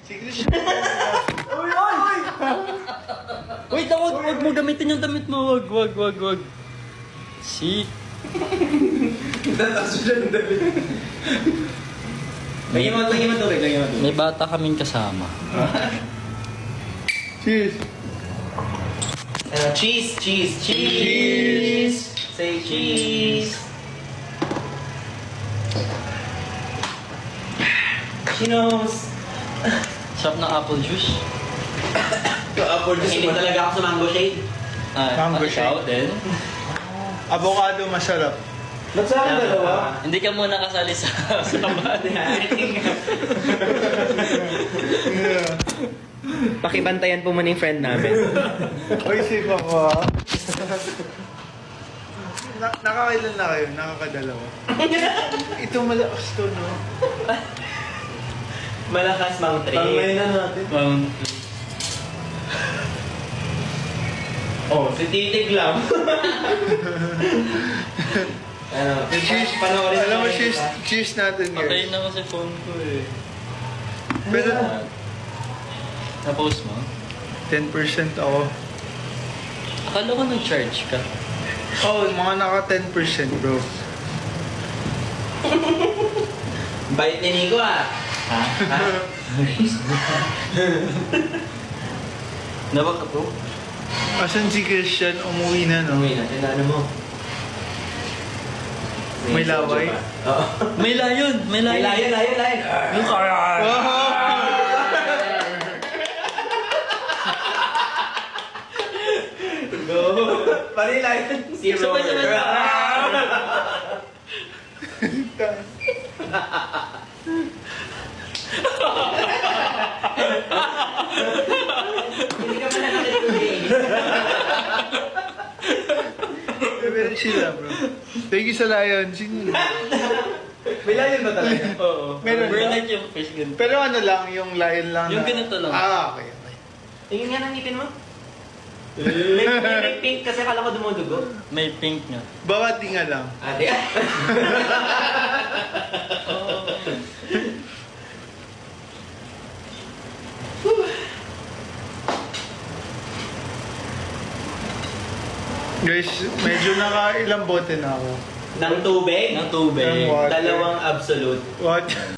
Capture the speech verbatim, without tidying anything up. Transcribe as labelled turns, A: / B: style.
A: Si Christian. Uy, uy, uy!
B: Wait, wag, wag mo gamitin yung damit mo. Wag, wag, wag, wag. Si.
A: Tataas siya ng damit.
C: Lagyan mo, lagyan mo tubig, lagyan mo tubig.
B: May bata kaming kasama.
A: Cheers!
C: Uh, cheese, cheese, cheese! Say cheese! She knows!
B: Sarap ng apple juice.
A: Apple
C: Hindi talaga ako sa mango shade.
B: Ah,
A: Mango
B: at ikaw
A: shake.
B: din.
A: Avocado masarap.
C: Ba't sa akin dalawa?
B: Hindi ka muna kasali sa sa
C: Pakibantayan po muna yung friend namin.
A: Uy, safe ako ha. Na nakakailan na kayo? Nakakadalawa. Ito malakas to, no?
C: Malakas Mount Tree.
A: na natin.
B: Mount.
C: Oh, si Titig lang. ano,
A: Cheers!
C: panoorin
A: Alam mo,
C: natin,
A: cheers,
C: diba?
A: cheers natin,
B: Patayin
A: guys.
B: na kasi phone ko eh.
A: Pero,
B: Na-post mo?
A: ten percent ako.
B: Akala ko nag-charge ka.
A: Oh, mga naka ten percent, bro.
C: Bait ni Nico ah.
B: Ha?
C: Ha?
B: Nabaka bro?
A: Asan si Christian? Umuwi na, no?
C: Uy, natin ano mo.
A: May laway?
C: Oo.
B: May layon! May
C: May
B: layon!
C: layon, layon, layon.
B: Yung karan!
C: Go. Pari layon. Zero.
B: Sabay, sabay, sabay.
C: Hindi ka pala nakituloy.
A: Pero sila, bro. Thank you sa Lion. Sino?
C: May layon ba talaga?
B: Oo.
A: Meron
B: We're
A: ba?
B: like yung fish ganito.
A: Pero ano lang, yung Lion lang
B: Yung
A: na...
B: ganito lang.
A: Ah, okay, okay.
C: Tingin nga ng ngipin mo. May, may, may pink kasi akala ko dumudugo.
B: May pink nga.
A: Bawat tinga lang.
C: Ate.
A: Guys, medyo naka ilang bote na ako.
C: Ng tubig.
B: Ng tubig.
A: Ng water.
C: Dalawang absolute.
A: What?